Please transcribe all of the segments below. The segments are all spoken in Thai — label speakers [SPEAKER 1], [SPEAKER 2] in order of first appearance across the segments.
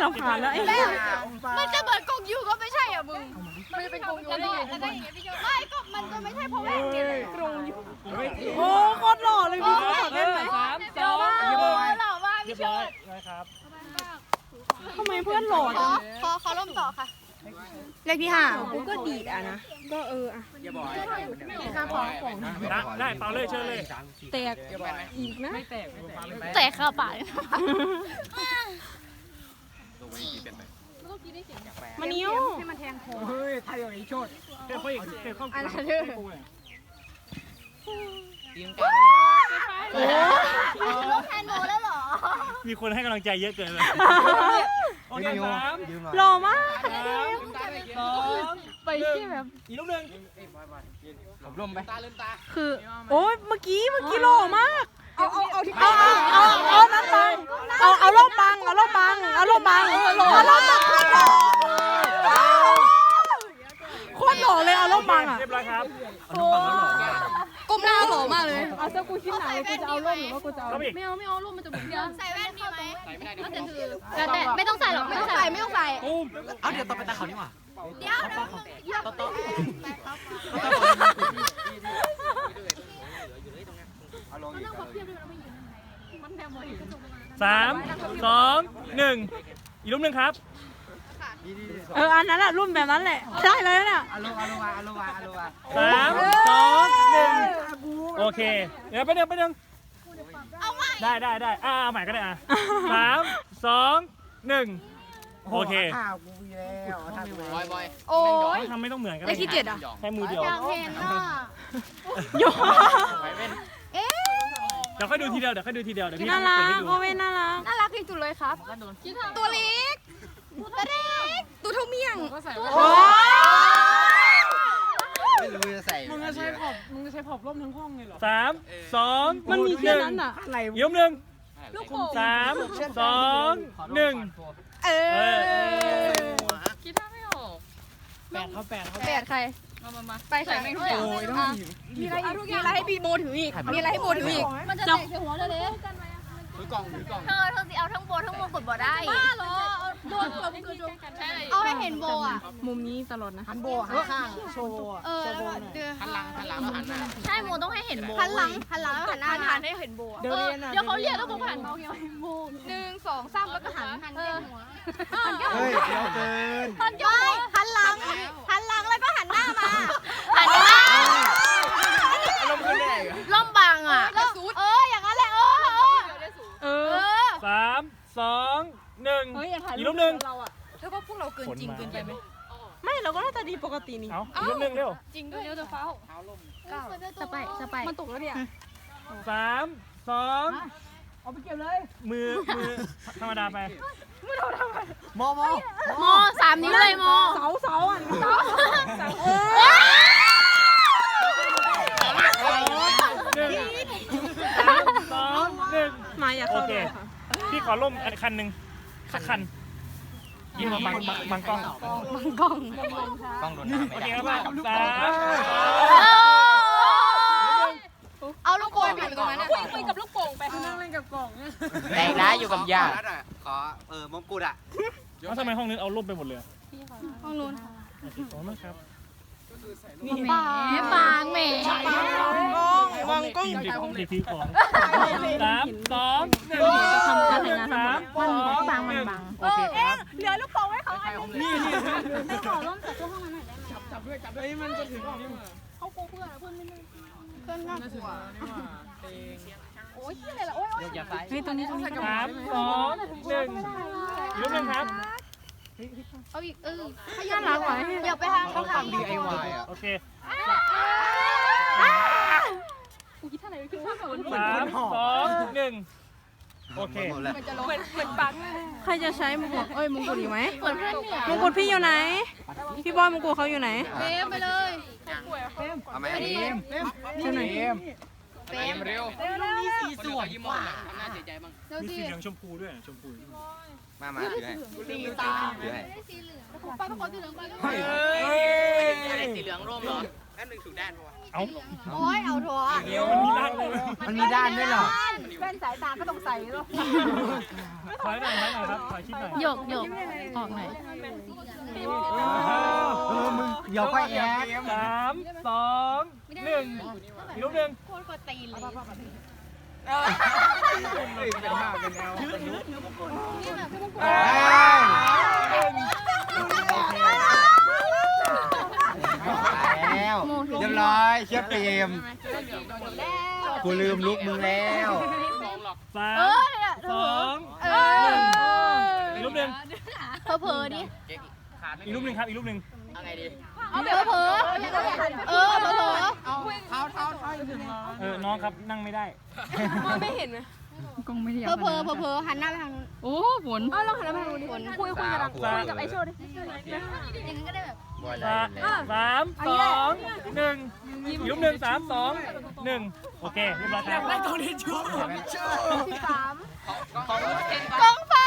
[SPEAKER 1] ำคาญแล้วไอ้
[SPEAKER 2] มันจะเหมือนกงยูก็ไม่ใช่อ่ะมึงมันจะเป็นกงยูได้ไงไม่ก็มันจะไม่ใช่เพราะว่าเนี่ยกงยู
[SPEAKER 1] โอ้โคตรหล่อเลยพี่โก้เล่นไหม
[SPEAKER 2] หล่อมากหล่อมากพี่เชิด
[SPEAKER 3] นะครับ
[SPEAKER 1] ทำไมเพื่อนหล่อจัง
[SPEAKER 2] ขอร่มต่อค่ะ
[SPEAKER 1] เลขที่5กูก็ดีดอ่ะนะก็อ่ะ
[SPEAKER 3] อย่าบอกได้เปล่าเลยเชิญเลย
[SPEAKER 1] แตกอีกนะ
[SPEAKER 2] แตกข้าวปาก
[SPEAKER 1] มานิ้ว
[SPEAKER 3] ให้มันแทงคอเฮ้ยไทยอย่างนี้โชดเฮ้ยเขาอีกเฮ้ยเขาอันนั้นเด้อทีมกัน
[SPEAKER 2] ลูกแทนโมแล้วเหรอ
[SPEAKER 3] มีคนให้กำลังใจเยอะเกินเลยโอเค3
[SPEAKER 1] หล่อมาก
[SPEAKER 3] 2ไปที่แบบอีกลูกหนึ่งผมร่มไป
[SPEAKER 1] คือโอ้ยเมื่อกี้หล่อมากเอานั่นบังเอาล่มบังโคตรหล่อเลยเอาล่มบังอ่ะ
[SPEAKER 3] เรียบร้อยครับ
[SPEAKER 1] ก้มหน้าหล่อมากเลยเอาเจ้ากูคิดหนักเลยกูจะเอาล่มหรือว่ากูจะเอา
[SPEAKER 2] ไม่เอาล่มมันจะบุ๋มเดียวใส่แว่นมีไหมใส่ไม่ได้แต่ไม่ต้องใส่หรอกไม่ต้องใส่
[SPEAKER 3] เอาเดี๋ยวต่อไปตาเขานี่หว่า
[SPEAKER 2] เดี๋ยว
[SPEAKER 3] 3 2 1อีกรูปหนึ่งครับ
[SPEAKER 1] อันนั้นแหละรุ่นแบบนั้นแหละได้เลยเนี่ย
[SPEAKER 3] 3 2 1โอเคเดี๋ยวไปเดินได้ใหม่ก็ได้3 2 1โอเค
[SPEAKER 2] บอยโอ้ย
[SPEAKER 3] ทำไม่ต้องเหมือนกัน
[SPEAKER 1] เลขที่7อ่ะ
[SPEAKER 3] แค่มือเดียว
[SPEAKER 2] อยากเห็นอ่ะ
[SPEAKER 1] โย
[SPEAKER 3] เดี๋ยวค่อยดูทีเดียวเดี๋ยวพี่
[SPEAKER 1] น่ารักโอเว่นน่า
[SPEAKER 2] รักที่สุดเลยครับตัวเล็กตัวเท่าเมี่ยง
[SPEAKER 4] ไม่รู้จะใส่
[SPEAKER 3] มึงจะใช้ผอบร่มทั้งห้องเลยเหรอ3 2
[SPEAKER 1] มันมีแค่นั้นอ่ะ
[SPEAKER 3] อะไรยกหนึ่ง3 2 1
[SPEAKER 2] คิดท่าไม่ออก
[SPEAKER 3] 8
[SPEAKER 2] ใครมาไปใส่แม่งทุกอย่างมีอะไรให้บีโมถืออีกมันจะเตะหัวเลย
[SPEAKER 4] ถือกล่อง
[SPEAKER 2] เธอสิเอาทั้งโบทั้งมงกุฎบ่ได้บ้าเหรอโดนเอาให้เห็นโบอ่ะ
[SPEAKER 1] มุมนี้ตลอดนะ
[SPEAKER 4] หันโบหันข้างโชว์หันหลังแล้วหันหน้า
[SPEAKER 2] ใช่โมต้องให้เห็นโบหันหลังแล้วหันหน้าหันให้เห็นโบเดี๋ยวเขาเรียกแล้วโบหันเขาเกี่ยวโบ1 2 3แล้วก็หันหัว
[SPEAKER 4] เดี๋ยวเกิน
[SPEAKER 2] หันหลังแล้วก็หันหน้ามาหันหน้า
[SPEAKER 4] ลมขึ้นได้
[SPEAKER 2] ล่มบังอ่ะอย่างนั้นแหละ
[SPEAKER 3] 3 2 1อีกรูปหนึ่ง
[SPEAKER 1] เธอว่าพวกเราเกินจริงเกินไปไหมไม่เราก็น่าจะดีปกตินี่
[SPEAKER 3] อีกรูปหนึ่งเร็ว
[SPEAKER 2] จริงด้วยเร็วจะเฝ้าจะไป
[SPEAKER 1] มันตกแล้วเนี่ย
[SPEAKER 3] 3 2เอาไปเก็บเลยมือธรรมดาไป
[SPEAKER 4] โม
[SPEAKER 2] 3 นิ้วเลยโม
[SPEAKER 1] เสาอ่ะมาอย่าเข้าเลยค่ะ
[SPEAKER 3] พี่ขอร่มคันหนึ่งสักคันยิงมาบังกล้อง
[SPEAKER 4] กล้องโดนน้ำไม่ได้
[SPEAKER 3] โอเคครับ
[SPEAKER 2] เอาลูกโป่งไปตรงนั้น
[SPEAKER 1] คุยกับลูกโป่งไปนั่งเล่นกับกล่อง
[SPEAKER 4] แต่ร้ายอยู่กับยาขอมงกุฎอ่ะ
[SPEAKER 3] แล้วทำไมห้องนี้เอาร่มไปหมดเลย
[SPEAKER 2] ห้องนู้น
[SPEAKER 3] ขอบคุณครับ
[SPEAKER 2] นี่บางแหม่
[SPEAKER 1] วางกล้อง
[SPEAKER 3] ทีของ3 2 1
[SPEAKER 1] ทำการแต่งงาน
[SPEAKER 2] มันบาง
[SPEAKER 3] โอเคครับ
[SPEAKER 1] เหลือลูกโป่งไว้เขา
[SPEAKER 3] นี่
[SPEAKER 2] ไม่ขอร่มจากตู้ห้องนั้นหน่อยได้ไหม
[SPEAKER 3] จับด้วยมันจะถึงนี่มั้ย
[SPEAKER 2] เขาโกเพื่อนไม่ได้เพื่อนน่ากลัวโอ้ยอะไรล่ะโอ้ย
[SPEAKER 1] เฮ้ยตรงนี้
[SPEAKER 3] 3 2 1อีกรูปนึงครับ
[SPEAKER 2] เอาอีก
[SPEAKER 1] น่ารักว่ะ
[SPEAKER 2] เดี๋ยวไปทาง
[SPEAKER 4] เขาทำ DIY อ่ะ
[SPEAKER 3] โอเค
[SPEAKER 2] กูคิดท่าไหนคือ
[SPEAKER 3] 3 2 1โอเค
[SPEAKER 1] เหมือนปังใครจะใช้มงกุฎมงกุฎอีกไหม
[SPEAKER 2] เหมือนเพื่อนเนี่ย
[SPEAKER 1] มงกุฎพี่อยู่ไหนพี่บอยมงกุฎเขาอยู่ไหน
[SPEAKER 2] ไปเลย
[SPEAKER 4] เอาไหม
[SPEAKER 1] ที่ไหน
[SPEAKER 4] เร็วมีสีสวยกว่าทำหน้าเสียใจบ้าง
[SPEAKER 3] มีสีเหลืองชมพูด้วยชมพู
[SPEAKER 4] มาถือให้
[SPEAKER 2] สีตาสีเหลืองไปขอสีเหลืองไป
[SPEAKER 4] สีเหลืองร่มเหรอแล้วหนึ่งถูกด้านปะวะ
[SPEAKER 3] เอา
[SPEAKER 2] โอ้ยเอาถั่ว
[SPEAKER 3] มันมีด้านเลย
[SPEAKER 5] มันมีด้านด้วยเหรอ
[SPEAKER 1] แว่นสายตาก็ต้องใส่หรอ
[SPEAKER 3] ถอยหน่อยครับถอยชิดหน่อย
[SPEAKER 2] หยกออกหน่อย
[SPEAKER 5] มึงเดี๋ยวค่อยแอด
[SPEAKER 3] 3 2 1อีกรูปหนึ่ง
[SPEAKER 2] โคตรกดตีนเลย
[SPEAKER 5] เป็นมากเป็นแนว แล้วเรียบร้อยเชื่อเปรมกูลืมลุกมึงแล้ว
[SPEAKER 3] 3 2 1อีกรูปหนึ่ง
[SPEAKER 2] เผลอๆดิ
[SPEAKER 3] อีกรูปหนึ่งครับอีกรูปหนึ่ง
[SPEAKER 4] เอาไงดี
[SPEAKER 2] เผลอเผลอเผลอ
[SPEAKER 3] น้องครับนั่งไม่ได้
[SPEAKER 1] ไม่เห็นไหม
[SPEAKER 2] เผลอหันหน้าไปทางนู้น
[SPEAKER 1] โอ้ฝนเราหันมาทางนู้นดิคุยกับไอโชว์ดิ
[SPEAKER 2] อย่างนั้นก็ได้แบบ
[SPEAKER 3] 3 2 1อีกรูปหนึ่ง3 2 1โอเคเรียบร้อยครับ
[SPEAKER 2] กองฟ้า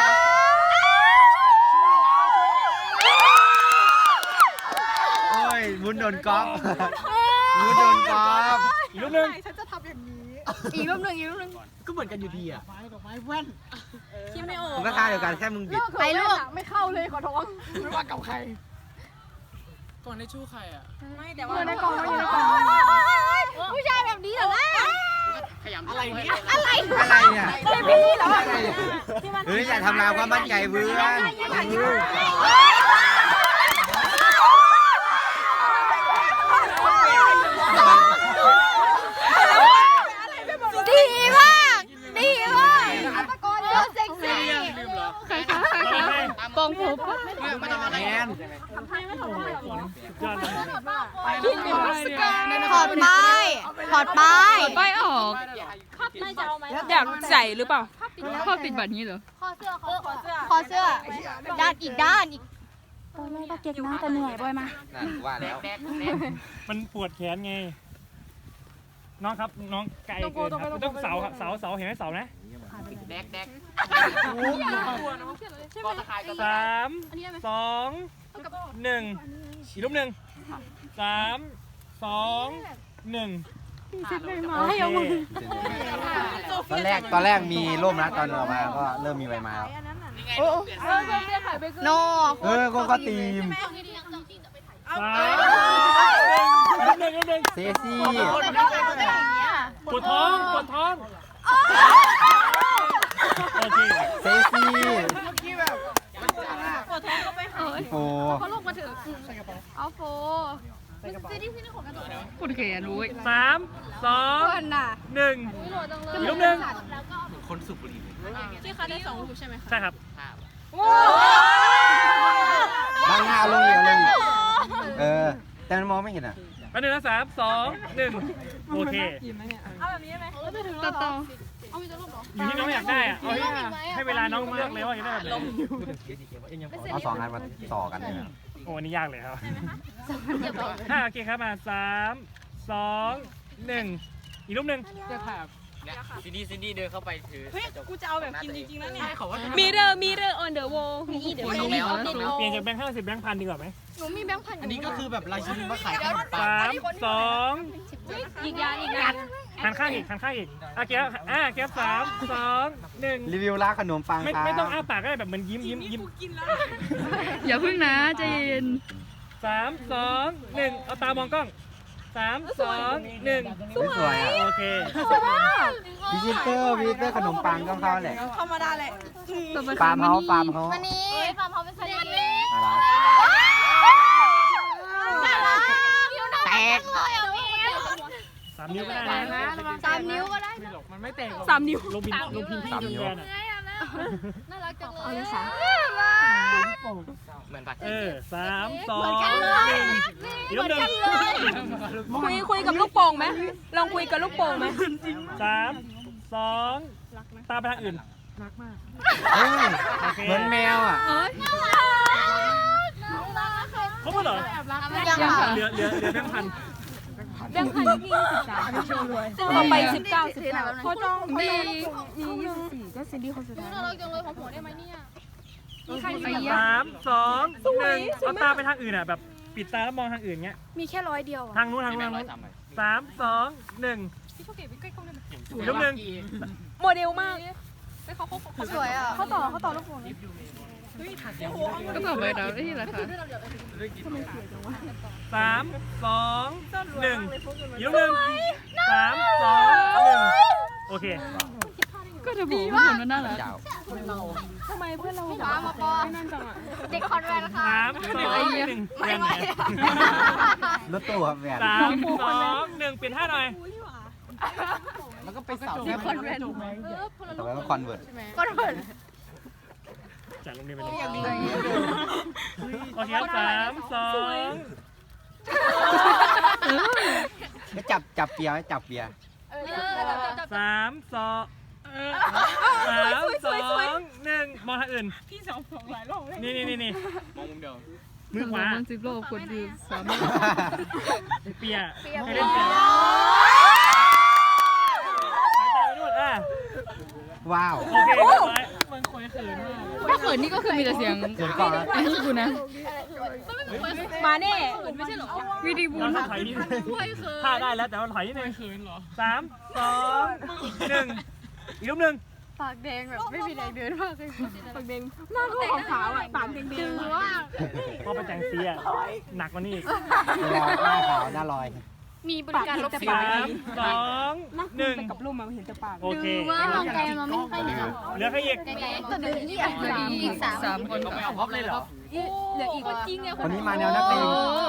[SPEAKER 5] โอ้ยวุ้นโดนก๊อฟวุ้นโดนก๊อฟ
[SPEAKER 3] อีกรูปหนึ่ง
[SPEAKER 2] อีกรูปหนึ่ง
[SPEAKER 5] ก็เหมือนกันอยู่ดีอ่ะ
[SPEAKER 1] คิดไม่ออก
[SPEAKER 5] มันก็ท่าเดียวกันแค่มึงบิด
[SPEAKER 2] ใครลูก
[SPEAKER 1] ไม่เข้าเลยขอโทษ
[SPEAKER 2] ไม่แต่ว่าในกองอยู่ในกองผู้ชายแบบนี้เหรอวะ
[SPEAKER 4] ขยำอะไรเนี่ย
[SPEAKER 2] อะไร
[SPEAKER 5] อะไรเนี่ยเฮ้ยอย่าทำลายความมั่นใจเพื่อน
[SPEAKER 2] ดีมากเซ็กซี่
[SPEAKER 3] กองผม
[SPEAKER 4] ไม่ต้องอะไร
[SPEAKER 5] แมน
[SPEAKER 3] ยอดเลย
[SPEAKER 2] ถอดป้ายออก
[SPEAKER 1] อยากใส่หรือเปล่า
[SPEAKER 2] คอเสื้อด้านอีกด้านอีก
[SPEAKER 5] นั่นว่าแล้ว
[SPEAKER 3] มันปวดแขนไงน้องครับน้องไกลเกินครับต้องเสาครับเสาเห็นไหมเสานะ
[SPEAKER 4] แดกก็ตะไคร้ก็
[SPEAKER 3] 3 2 1อีกรูปหนึ่ง3 2 1
[SPEAKER 5] ตอนแรกมีร่มนะตอนออกมาก็เริ่มมีใบไม้แล้ว
[SPEAKER 2] โน
[SPEAKER 5] ก็ตีม
[SPEAKER 3] รูปหนึ่ง
[SPEAKER 5] เซซี่
[SPEAKER 3] ปวดท้องโอเค
[SPEAKER 5] เซซี่โฟ
[SPEAKER 2] เขาลงมาถึงเอาโฟซีดีของกระโดด
[SPEAKER 3] 3
[SPEAKER 2] เพื่อ
[SPEAKER 3] 2
[SPEAKER 2] นน่ะ
[SPEAKER 3] 1อีกรูปหนึ่ง
[SPEAKER 1] ที่เขาได้2รูปใช่ไหม
[SPEAKER 3] ใช่ครับ
[SPEAKER 5] บางหน้าลงอีกแต่มันมองไม่เห็นอ่ะ
[SPEAKER 3] อันหนึ่งนะ3 2 1โอเคอยู่ที่น้องอยากได้อะให้เวลาน้องเลือกเลยว่าอยากได้แบบไหน
[SPEAKER 5] เอา2 อันมาต่อกันเลยนะ
[SPEAKER 3] โอ้อันนี้ยากเลยครับโอเคครับมา3 2 1อีกรูปหนึ่ง
[SPEAKER 4] ซินดี้เดินเข้าไปถือ
[SPEAKER 1] เฮ้ยกูจะเอาแบบกินจริงๆแล้วเนี่ย
[SPEAKER 4] เขาว่า
[SPEAKER 1] มีเดอร์ on the wall มีเดอร์
[SPEAKER 3] เปลี่ยนจากแบงค์50แบงค์พันดีกว่าไหม
[SPEAKER 2] หนูมีแบงค์พัน
[SPEAKER 5] อันนี้ก็คือแบบราชินีมาขายขนมปัง
[SPEAKER 3] 3 2
[SPEAKER 1] อีกอย่าง
[SPEAKER 3] หันข้างอีกโอเคเก็บ3 2 1
[SPEAKER 5] รีวิวร้านขนมปังครับ
[SPEAKER 3] ไม่ต้องอ้าปากก็ได้แบบเหมือนยิ้ม
[SPEAKER 1] อย่าพึ่งนะใจเย็น
[SPEAKER 3] 3 2 1เอาตามองกล้อง3 2 1
[SPEAKER 5] สวยอ่ะ
[SPEAKER 3] โอเค
[SPEAKER 5] วิจิเตอร์ขนมปังต้องเข้าแหละ
[SPEAKER 1] ธรรมดาแหละ
[SPEAKER 5] ฟาร์มเฮาส์
[SPEAKER 2] วันนี้ฟาร์มเขาเป็นสัญลักษณ์แตกเลยอ่ะพี่
[SPEAKER 3] 3 นิ้วก็ได้นะ
[SPEAKER 2] 3 นิ้วก็ได้
[SPEAKER 1] 3 นิ้ว
[SPEAKER 3] ลงพิมพ์ที่จนแบนอ่ะ
[SPEAKER 2] น่ารักจังเลย
[SPEAKER 4] เหมือนปัด
[SPEAKER 3] 3 2 1อีกรูปหนึ่ง
[SPEAKER 1] คุยกับลูกโป่งไหมลองคุยกับลูกโป่งไหม
[SPEAKER 3] 3 2ตามไปทางอื่น
[SPEAKER 5] เฮ้ยเหมือนแมวอ่ะ
[SPEAKER 3] ครบแล้วเหรอ
[SPEAKER 2] ยังค่ะ
[SPEAKER 3] เหลือแบงค์พัน
[SPEAKER 1] ต่อไป19พอจองมี
[SPEAKER 2] น่ารักจังเลยของหัวได้ไหมเนี่ย
[SPEAKER 3] 3 2 1เอาตาไปทางอื่นอ่ะแบบปิดตาแล้วมองทางอื่นเงี้ย
[SPEAKER 2] มีแค่100 เดียว
[SPEAKER 3] ทางนู้นทางนู้นทางนู้น3 2 1อีกรูปหนึ่ง
[SPEAKER 1] โมเดลมาก
[SPEAKER 2] สวยอ่ะเขาต่อลูกโป่ง
[SPEAKER 6] ก็ต่อไปเราได้ที่ราคา
[SPEAKER 3] 3 2 1อีกรูปหนึ่ง3 2 1โอเค
[SPEAKER 6] ก็จะบอกว่าคนมันน่ารัก
[SPEAKER 5] ยาว
[SPEAKER 1] ทำไมเพื่อนเรา
[SPEAKER 2] มาปอเด็กคอนแวนค่ะ
[SPEAKER 3] 3 2 1เปลี่ยนไหน
[SPEAKER 5] รถตู้ครับแหวน
[SPEAKER 3] 3 2 1เปลี่ยนท่าหน่อย
[SPEAKER 5] แล้วก็ไปเสาแค่คอนเวิร์ตต่อไปก็คอนเวิร์ต
[SPEAKER 2] คอนแวน
[SPEAKER 3] จัดลงเรียนไปเลยโอเคครับ3 2
[SPEAKER 5] ก็จับเปียร์ไว้จับเปียร์
[SPEAKER 3] 3 2 1มองทางอื่น
[SPEAKER 1] พี่สองหลายรอบเลย
[SPEAKER 3] นี่
[SPEAKER 4] มองมุมเดิม
[SPEAKER 3] มือขวา
[SPEAKER 6] มัน10 โลคนดู3
[SPEAKER 3] เปียให้เล่นเปียสายตาไปนู่น
[SPEAKER 5] ว้าว
[SPEAKER 3] โอเคเรียบร้อย
[SPEAKER 6] ถ้าเขินนี่ก็คือมีแต่เสียง
[SPEAKER 5] เขินก่อนนะ
[SPEAKER 6] ไอ้ที่กูนะ
[SPEAKER 1] มาแน่
[SPEAKER 6] วิดีบู
[SPEAKER 3] เรา
[SPEAKER 6] น
[SPEAKER 3] ต้องถอยนิดนึงท่าได้แล้วแต่ว่าถอยนิดนึง3 2 1อีกรูปหนึ่ง
[SPEAKER 2] ปากแดงแบบไม่มีแรงเดินมากเลย
[SPEAKER 1] ปากแดงหน้าก็ขาวๆอ่ะปากแดง
[SPEAKER 2] ดื้อว่า
[SPEAKER 3] พอไปแต่งสีอะหนักกว่านี้อีก
[SPEAKER 5] ลอยหน้าขาวหน้าลอย
[SPEAKER 2] มีบริการรถไฟ
[SPEAKER 3] 3 2
[SPEAKER 1] ไปกับรูปมาเห็นแต่ปาก
[SPEAKER 3] 1โอเค
[SPEAKER 2] ว่าลองไกลมาไม่ค่อยดี
[SPEAKER 3] เหลือแค่อีก
[SPEAKER 2] ไกลๆตัวดื้อนี่อ่ะ
[SPEAKER 6] อีก3 คน
[SPEAKER 4] ไม่เอาพร็อพเลยเหรอ
[SPEAKER 2] เหลืออีกจริงไง
[SPEAKER 5] คนนี้มาแนวนักเลง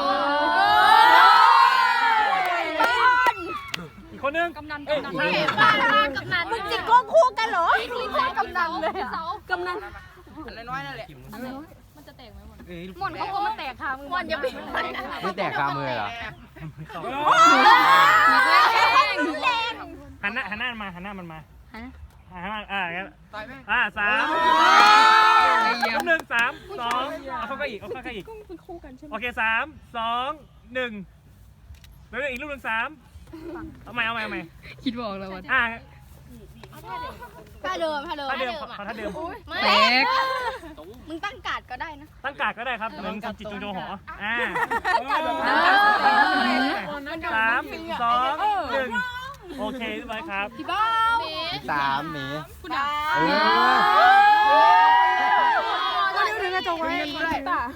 [SPEAKER 3] อีกคนนึง
[SPEAKER 6] กำนัน
[SPEAKER 3] เอ้ย
[SPEAKER 6] กำนัน
[SPEAKER 3] ใช่
[SPEAKER 2] บ้านกำนันมึงจิกกล้องคู่กันเหรอนี่พ่อกำนันเลยอ่ะ
[SPEAKER 1] กำนัน
[SPEAKER 4] อะไรน้อยนั่นแหละ
[SPEAKER 2] หมอนเขาก็มาแตกค่ะมึงหมอนอย่าไปมันนะ
[SPEAKER 5] ไม่แตกคามือเหรอ
[SPEAKER 3] หันหน้ามันมาหันหน้ามันมางั้น
[SPEAKER 4] ตายไหม
[SPEAKER 3] 3รูปหนึ่ง3 2เอาเข้าก็อีก
[SPEAKER 1] เป็นคู่กันใช่ไหม
[SPEAKER 3] โอเค3 2 1แล้วอีกรูปหนึ่ง3เอาใหม่
[SPEAKER 6] คิดบอกแล้วว่า
[SPEAKER 2] ท่าเดิม
[SPEAKER 3] ท่าเดิมขอท่าเดิม
[SPEAKER 2] ไม่
[SPEAKER 6] แตก
[SPEAKER 2] มึงตั้งการ์ดก็ได้นะ
[SPEAKER 3] ตั้งกาดก็ได้ครับเหมือนจิตจงโจหอ3 2 1โอเคเรียบร้อยครับ
[SPEAKER 2] พี่บ้า
[SPEAKER 5] 3หนี
[SPEAKER 1] ก็เร็วถึงกระจกไว้ตา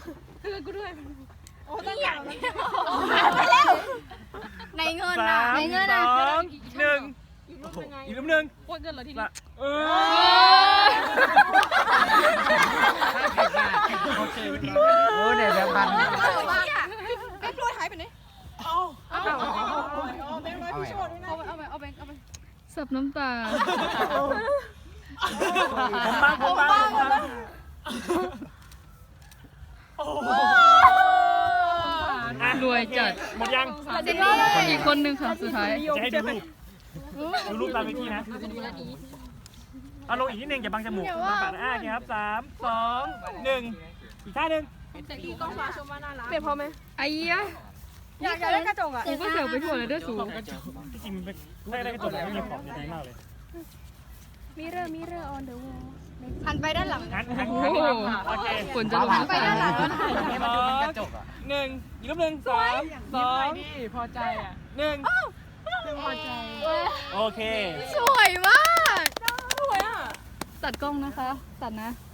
[SPEAKER 2] ไปแล้วในเงินนะในเงินนะ
[SPEAKER 3] 3 2 1อีกรูปหนึ่ง
[SPEAKER 6] โคตรเงินเหรอที
[SPEAKER 3] ละ
[SPEAKER 6] นี้
[SPEAKER 3] โอเค
[SPEAKER 5] โอ้เนี่ยแบบพัน
[SPEAKER 2] แบงค์รวยหายไปไหน
[SPEAKER 5] เอาใหม่
[SPEAKER 2] เอาไป
[SPEAKER 6] สับน้ำตา
[SPEAKER 3] ผมบ้าง
[SPEAKER 6] รวยจัด
[SPEAKER 3] หมดยัง
[SPEAKER 6] อีกคนนึงค่ะสุดท้าย
[SPEAKER 3] จะให้ดูรูปตามวิธีนะเอาลงอีกนิดนึงอย่าบังจมูกบังปากโอเคครับ3 2 1อีกท่าหนึ่ง
[SPEAKER 1] เปลี่ยนพอไหม
[SPEAKER 6] ไอ้ยะ
[SPEAKER 1] อยากได้กระจกอ่ะ
[SPEAKER 6] กูก็เสียวไปทั่วเลยเด้อสูง
[SPEAKER 3] ที่จริงไม่ได้กระจกไม่มีขอบจะดีมากเลย
[SPEAKER 1] มิเรอร์ออนเดอะวอล
[SPEAKER 2] หันไปด้านหลัง
[SPEAKER 3] โอเค
[SPEAKER 6] ฝนจะลง
[SPEAKER 2] ไปด้านหลังแล้วถ่าย
[SPEAKER 5] ให้มันดูเป็นกระจกอ่ะ
[SPEAKER 3] 1อีกรูปหนึ่ง3 2
[SPEAKER 1] พอใจอ่ะ
[SPEAKER 3] 1
[SPEAKER 1] พอใจ
[SPEAKER 3] โอเค
[SPEAKER 2] สวยมาก
[SPEAKER 6] ตัดกล้องนะคะ ตัดนะ